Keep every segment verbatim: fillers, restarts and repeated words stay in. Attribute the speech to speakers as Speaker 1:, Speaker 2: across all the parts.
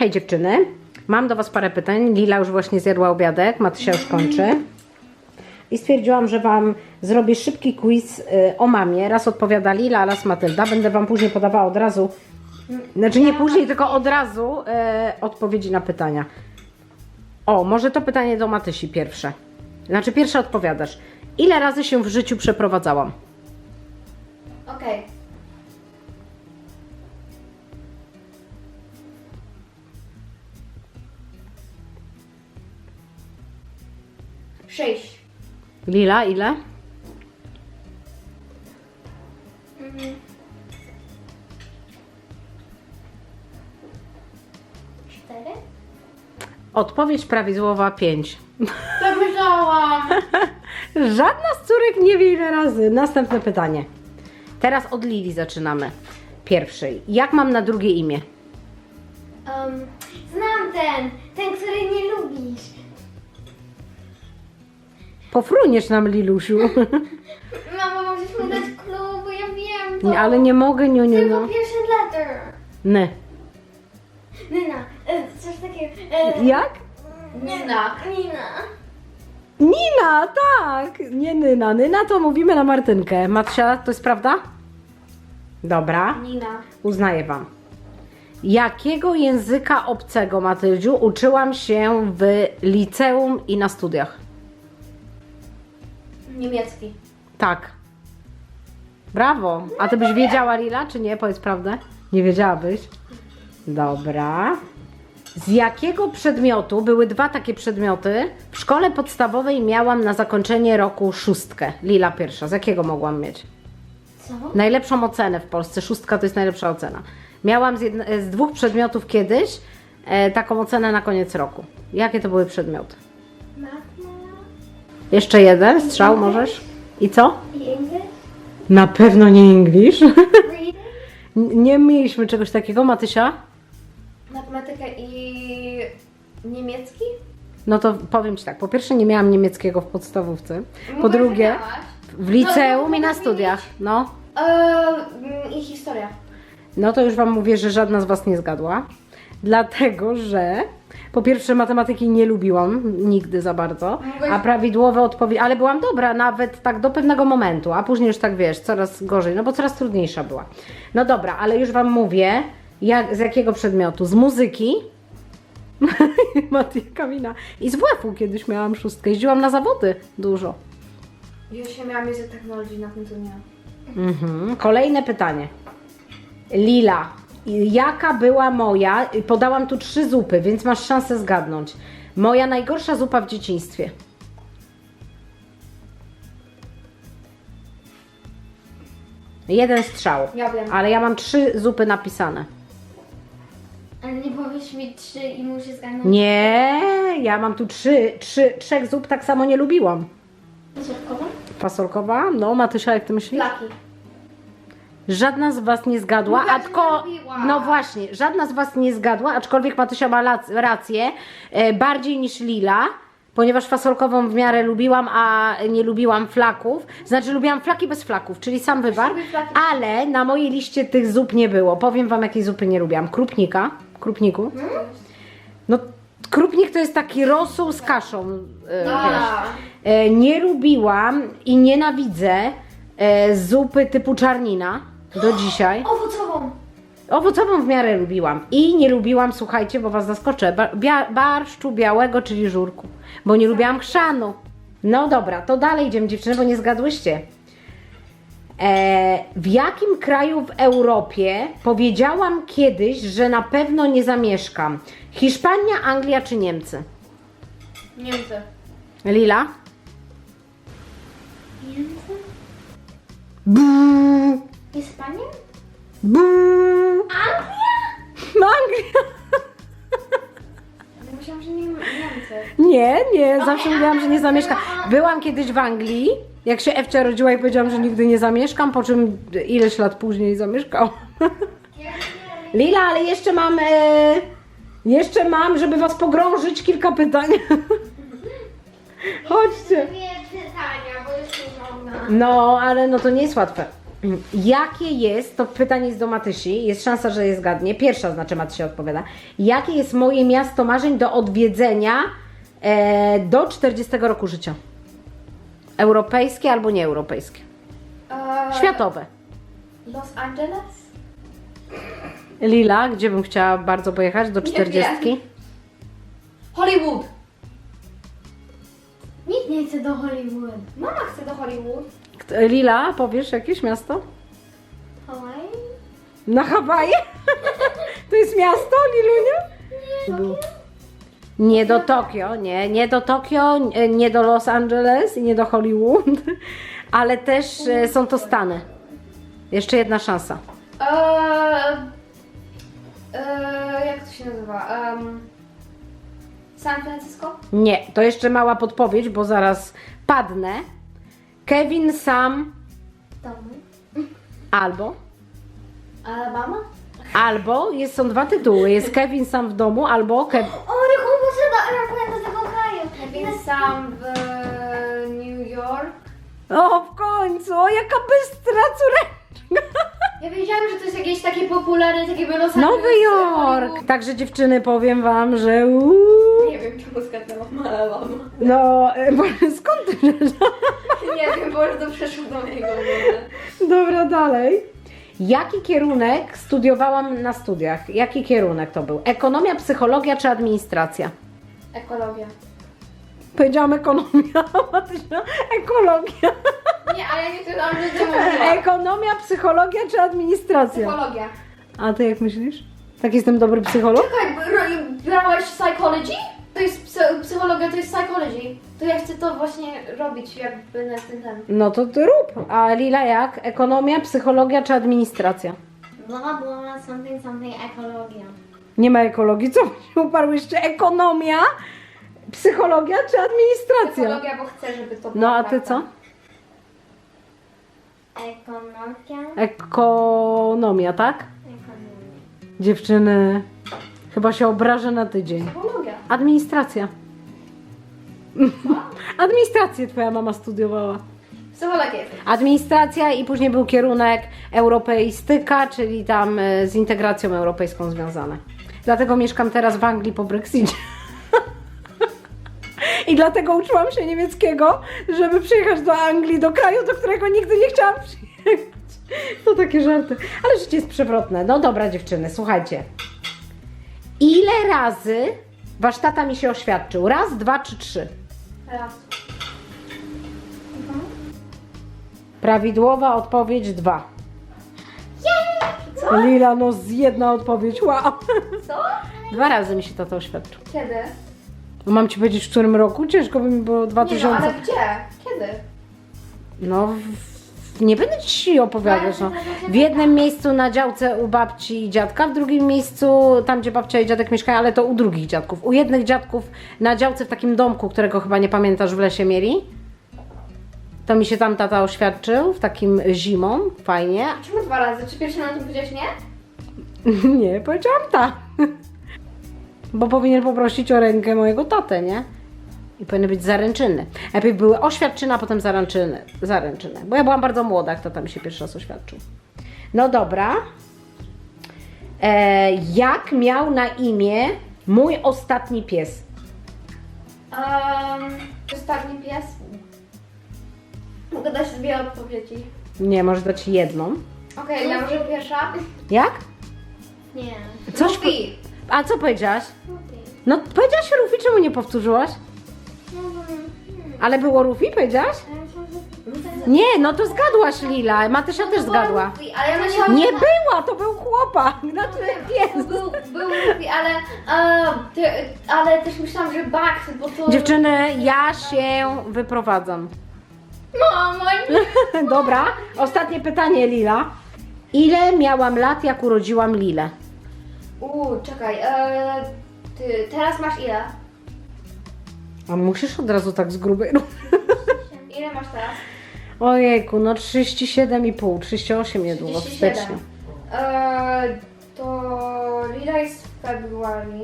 Speaker 1: Hej dziewczyny, mam do was parę pytań. Lila już właśnie zjadła obiadek, Matysia już kończy. I stwierdziłam, że wam zrobię szybki quiz y, o mamie. Raz odpowiada Lila, raz Matylda. Będę wam później podawała od razu, znaczy nie później, tylko od razu y, odpowiedzi na pytania. O, może to pytanie do Matysi pierwsze. Znaczy pierwsze odpowiadasz. Ile razy się w życiu przeprowadzałam?
Speaker 2: Okej. Okay. Sześć.
Speaker 1: Lila, ile?
Speaker 2: Mhm. Cztery?
Speaker 1: Odpowiedź prawidłowa pięć.
Speaker 2: To myślałam.
Speaker 1: Żadna z córek nie wie ile razy. Następne pytanie. Teraz od Lili zaczynamy. Pierwszej. Jak mam na drugie imię?
Speaker 2: Um, znam ten, ten, który nie lubisz.
Speaker 1: Pofruniesz nam, Lilusiu.
Speaker 2: Mama, możesz mu dać klub, bo ja wiem to.
Speaker 1: Nie, ale nie mogę, niu, niu,
Speaker 2: Tylko
Speaker 1: no.
Speaker 2: pierwszy letter.
Speaker 1: Ny.
Speaker 2: Nyna, e, coś takiego. E,
Speaker 1: Jak?
Speaker 2: Nina. Nina.
Speaker 1: Nina, tak. Nie Nyna. Nyna to mówimy na Martynkę. Matsia, to jest prawda? Dobra.
Speaker 2: Nina.
Speaker 1: Uznaję wam. Jakiego języka obcego, Matyldziu, uczyłam się w liceum i na studiach?
Speaker 2: Niemiecki.
Speaker 1: Tak. Brawo. A ty byś wiedziała, Lila, czy nie? Powiedz prawdę. Nie wiedziałabyś? Dobra. Z jakiego przedmiotu, były dwa takie przedmioty, w szkole podstawowej miałam na zakończenie roku szóstkę? Lila pierwsza. Z jakiego mogłam mieć?
Speaker 2: Co?
Speaker 1: Najlepszą ocenę w Polsce. Szóstka to jest najlepsza ocena. Miałam z, jedne, z dwóch przedmiotów kiedyś e, taką ocenę na koniec roku. Jakie to były przedmioty?
Speaker 2: Matma.
Speaker 1: Jeszcze jeden strzał możesz? I co?
Speaker 2: I English?
Speaker 1: Na pewno nie English.
Speaker 2: Reading?
Speaker 1: N- Nie mieliśmy czegoś takiego, Matysia?
Speaker 2: Matematyka i niemiecki?
Speaker 1: No to powiem ci tak, po pierwsze nie miałam niemieckiego w podstawówce, po
Speaker 2: Mówiłaś,
Speaker 1: drugie
Speaker 2: że miałaś.
Speaker 1: w liceum
Speaker 2: No,
Speaker 1: i na
Speaker 2: mogę
Speaker 1: studiach, no.
Speaker 2: Eee, I historia.
Speaker 1: No to już wam mówię, że żadna z was nie zgadła, dlatego że po pierwsze matematyki nie lubiłam nigdy za bardzo,
Speaker 2: Mogłeś-
Speaker 1: a prawidłowe odpowiedzi, ale byłam dobra nawet tak do pewnego momentu, a później już tak wiesz, coraz gorzej, no bo coraz trudniejsza była. No dobra, ale już wam mówię, jak, z jakiego przedmiotu? Z muzyki. Matia Kamina. I z WF-u kiedyś miałam szóstkę. Jeździłam na zawody dużo.
Speaker 2: Ja się miałam język technologii, na tym to nie.
Speaker 1: Mhm. Kolejne pytanie. Lila, jaka była moja, podałam tu trzy zupy, więc masz szansę zgadnąć. Moja najgorsza zupa w dzieciństwie. Jeden strzał.
Speaker 2: Ja wiem.
Speaker 1: Ale ja mam trzy zupy napisane.
Speaker 2: Ale nie powiesz mi trzy i muszę zgadnąć.
Speaker 1: Nie, ja mam tu trzy, trzy, trzech zup tak samo nie lubiłam.
Speaker 2: Słodkową?
Speaker 1: Fasolkowa? No, Matysia, jak ty myślisz?
Speaker 2: Flaki.
Speaker 1: Żadna z was nie zgadła,
Speaker 2: Mówiła, że
Speaker 1: aczko...
Speaker 2: nie lubiła.
Speaker 1: No właśnie, żadna z was nie zgadła, aczkolwiek Matysia ma lac- rację, e, bardziej niż Lila, ponieważ fasolkową w miarę lubiłam, a nie lubiłam flaków. Znaczy lubiłam flaki bez flaków, czyli sam wywar,
Speaker 2: lubię flaki.
Speaker 1: ale na mojej liście tych zup nie było. Powiem wam, jakiej zupy nie lubiłam. Krupnika, krupniku. No, krupnik to jest taki rosół z kaszą, e,
Speaker 2: No.
Speaker 1: wiesz. E, nie lubiłam i nienawidzę e, zupy typu czarnina do dzisiaj.
Speaker 2: Owocową.
Speaker 1: Owocową w miarę lubiłam. I nie lubiłam, słuchajcie, bo was zaskoczę, ba- bia- barszczu białego, czyli żurku. Bo nie lubiłam chrzanu. No dobra, to dalej idziemy, dziewczyny, bo nie zgadłyście. E, w jakim kraju w Europie powiedziałam kiedyś, że na pewno nie zamieszkam? Hiszpania, Anglia czy Niemcy?
Speaker 2: Niemcy.
Speaker 1: Lila?
Speaker 2: Niemcy?
Speaker 1: Buuu,
Speaker 2: Hiszpania?
Speaker 1: buuu.
Speaker 2: Anglia?
Speaker 1: Anglia.
Speaker 2: Myślałam, że nie Niemcy.
Speaker 1: Nie, nie, zawsze mówiłam, że nie zamieszkam. Byłam kiedyś w Anglii, jak się Ewcia rodziła i powiedziałam, że nigdy nie zamieszkam, po czym ileś lat później zamieszkałam. Lila, ale jeszcze mam, e, jeszcze mam, żeby was pogrążyć, kilka pytań. Chodźcie.
Speaker 2: Dwie pytania, bo jest trudna.
Speaker 1: No, ale no to nie jest łatwe. Jakie jest, to pytanie jest do Matysi, jest szansa, że je zgadnie. Pierwsza znaczy Matysia odpowiada. Jakie jest moje miasto marzeń do odwiedzenia e, do czterdziestego roku życia? Europejskie albo nieeuropejskie?
Speaker 2: Eee,
Speaker 1: Światowe.
Speaker 2: Los Angeles?
Speaker 1: Lila, gdzie bym chciała bardzo pojechać do czterdziestki?
Speaker 2: Hollywood! Nikt nie chce do Hollywood. Mama chce do Hollywood.
Speaker 1: Kto- Lila, powiesz jakieś miasto?
Speaker 2: Hawaii?
Speaker 1: Na Hawaje? To jest miasto, Lilunia?
Speaker 2: Nie,
Speaker 1: Nie do Tokio, nie, nie do Tokio, nie- nie do Los Angeles i nie do Hollywood, ale też e, są to Stany. Jeszcze jedna szansa.
Speaker 2: Eee, eee, jak to się nazywa? Um, San Francisco?
Speaker 1: Nie, to jeszcze mała podpowiedź, bo zaraz padnę. Kevin sam
Speaker 2: Domu.
Speaker 1: albo,
Speaker 2: Alabama?
Speaker 1: albo, jest, są dwa tytuły, jest Kevin sam w domu, albo Kev...
Speaker 2: O, jak on poszedł aeroport do tego kraju. Kevin sam w New York.
Speaker 1: O, w końcu, o, jaka bystra córeczka.
Speaker 2: Ja wiedziałam, że to jest jakieś takie popularne, takie by Los Angeles.
Speaker 1: Nowy Jork.
Speaker 2: Hollywood.
Speaker 1: Także dziewczyny, powiem wam, że uuu,
Speaker 2: Nie wiem, czemu zgadnęłam Alabama.
Speaker 1: no, e, bo- skąd ty wiesz?
Speaker 2: Nie wiem, bo już to przeszło do mojego głowy.
Speaker 1: Dobra, dalej. Jaki kierunek studiowałam na studiach? Jaki kierunek to był? Ekonomia, psychologia czy administracja?
Speaker 2: Ekologia.
Speaker 1: Powiedziałam ekonomia, Matysia, ekologia.
Speaker 2: Nie, ale nie to nam nie mówiła.
Speaker 1: Ekonomia, psychologia czy administracja?
Speaker 2: Psychologia.
Speaker 1: A ty jak myślisz? Tak jestem dobry psycholog?
Speaker 2: Czekaj, br- brałaś psychology? To jest psy- psychologia, to jest psychology. To ja chcę to właśnie robić jakby na ten ten.
Speaker 1: No to ty rób. A Lila jak? Ekonomia, psychologia czy administracja?
Speaker 2: Bla bla, something something ekologia.
Speaker 1: Nie ma ekologii, co się uparłyście? Ekonomia, psychologia czy administracja?
Speaker 2: Psychologia, bo chcę, żeby to było
Speaker 1: No a ty
Speaker 2: prawda.
Speaker 1: co?
Speaker 2: Ekonomia.
Speaker 1: Ekonomia, tak?
Speaker 2: Ekonomia.
Speaker 1: Dziewczyny, chyba się obrażę na tydzień.
Speaker 2: Psychologia.
Speaker 1: Administracja. Administrację twoja mama studiowała.
Speaker 2: Psychologia.
Speaker 1: Administracja i później był kierunek europeistyka, czyli tam e, z integracją europejską związane. Dlatego mieszkam teraz w Anglii po Brexicie. I dlatego uczyłam się niemieckiego, żeby przyjechać do Anglii, do kraju, do którego nigdy nie chciałam przyjechać. To takie żarty. Ale życie jest przewrotne. No dobra dziewczyny, słuchajcie. Ile razy wasz tata mi się oświadczył? Raz, dwa czy trzy?
Speaker 2: Raz.
Speaker 1: Prawidłowa odpowiedź dwa.
Speaker 2: Co?
Speaker 1: Lila, no z jedna odpowiedź, wow.
Speaker 2: Co?
Speaker 1: Dwa razy mi się tata oświadczył.
Speaker 2: Kiedy?
Speaker 1: No mam ci powiedzieć, w którym roku? Ciężko by mi było dwa
Speaker 2: Nie no,
Speaker 1: tysiące.
Speaker 2: ale gdzie? Kiedy?
Speaker 1: No, w, w, nie będę ci opowiadać. No. W jednym miejscu na działce u babci i dziadka, w drugim miejscu tam, gdzie babcia i dziadek mieszkają, ale to u drugich dziadków. U jednych dziadków na działce w takim domku, którego chyba nie pamiętasz, w lesie mieli. To mi się tam tata oświadczył, w takim zimą, fajnie.
Speaker 2: Czemu dwa razy? Czy pierwszy na tym powiedziałeś nie?
Speaker 1: Nie, powiedziałam tak. Bo powinien poprosić o rękę mojego tatę, nie? I powinny być zaręczyny. Najpierw były oświadczyny, a potem zaręczyny. zaręczyny. Bo ja byłam bardzo młoda, jak tata mi się pierwszy raz oświadczył. No dobra. E, jak miał na imię mój ostatni pies?
Speaker 2: Um, ostatni pies. Mogę dać dwie odpowiedzi.
Speaker 1: Nie, może dać jedną.
Speaker 2: Okej, ja może pierwsza?
Speaker 1: Jak?
Speaker 2: Nie.
Speaker 1: Coś
Speaker 2: Luffy.
Speaker 1: A co powiedziałaś?
Speaker 2: Luffy.
Speaker 1: No powiedziałaś Rufi, czemu nie powtórzyłaś?
Speaker 2: No, bo... hmm.
Speaker 1: Ale było Rufi, powiedziałaś?
Speaker 2: A ja myślałam, że-
Speaker 1: Nie, no to zgadłaś Lila. Matysia też zgadła.
Speaker 2: Luffy, ale ja myślałam,
Speaker 1: Nie
Speaker 2: że...
Speaker 1: była, to był chłopak, znaczy pies.
Speaker 2: Był, był Luffy, ale, e, ty, ale też myślałam, że Bugs, bo to...
Speaker 1: Dziewczyny, ja się wyprowadzam.
Speaker 2: Mamo, nie.
Speaker 1: Dobra, ostatnie pytanie Lila. Ile miałam lat, jak urodziłam Lilę?
Speaker 2: Uuu, czekaj, e, ty teraz masz ile?
Speaker 1: A musisz od razu tak z grubej.
Speaker 2: Ile masz teraz?
Speaker 1: Ojejku, no trzydzieści siedem i pół, trzydzieści osiem niedługo, w
Speaker 2: trzydzieści siedem.
Speaker 1: styczniu.
Speaker 2: E, to Lila jest w februarii.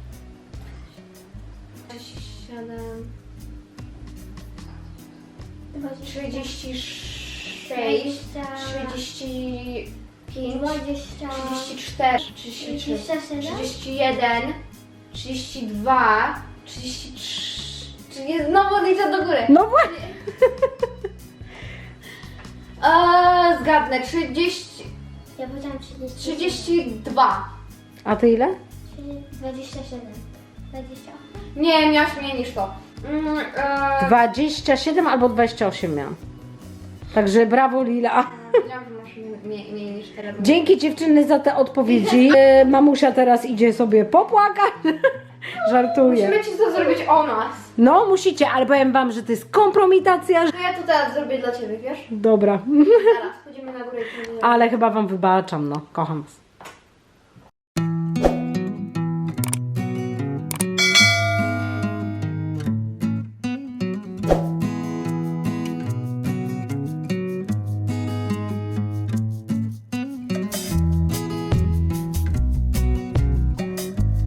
Speaker 2: siedem. trzydzieści sześć,
Speaker 3: Dwadzieścia.
Speaker 2: trzydzieści pięć,
Speaker 3: Dwadzieścia.
Speaker 2: trzydzieści cztery, trzydzieści trzy,
Speaker 3: Dwadzieścia siedem.
Speaker 2: trzydzieści jeden, trzydzieści dwa, trzydzieści trzy. Czy nie znowu liczę do góry?
Speaker 1: No właśnie.
Speaker 2: Eee, zgadnę, trzydzieści,
Speaker 3: Ja powiedziałam trzydzieści.
Speaker 2: trzydzieści dwa.
Speaker 1: A ty ile?
Speaker 3: Dwadzieścia siedem. Dwadzieścia.
Speaker 2: Nie, miałaś mniej niż to. Mm, eee,
Speaker 1: dwadzieścia siedem albo dwadzieścia osiem miałam. Także brawo Lila.
Speaker 2: Wiedziałam, że masz mniej, mniej niż teraz.
Speaker 1: Dzięki dziewczyny za te odpowiedzi. E, Mamusia teraz idzie sobie popłakać. Żartuję.
Speaker 2: Musimy ci to zrobić o nas.
Speaker 1: No musicie, ale powiem wam, że to jest kompromitacja.
Speaker 2: To ja to teraz zrobię dla ciebie, wiesz?
Speaker 1: Dobra.
Speaker 2: Zaraz, pójdziemy na górę i pójdziemy.
Speaker 1: Ale chyba wam wybaczam, no. Kocham was.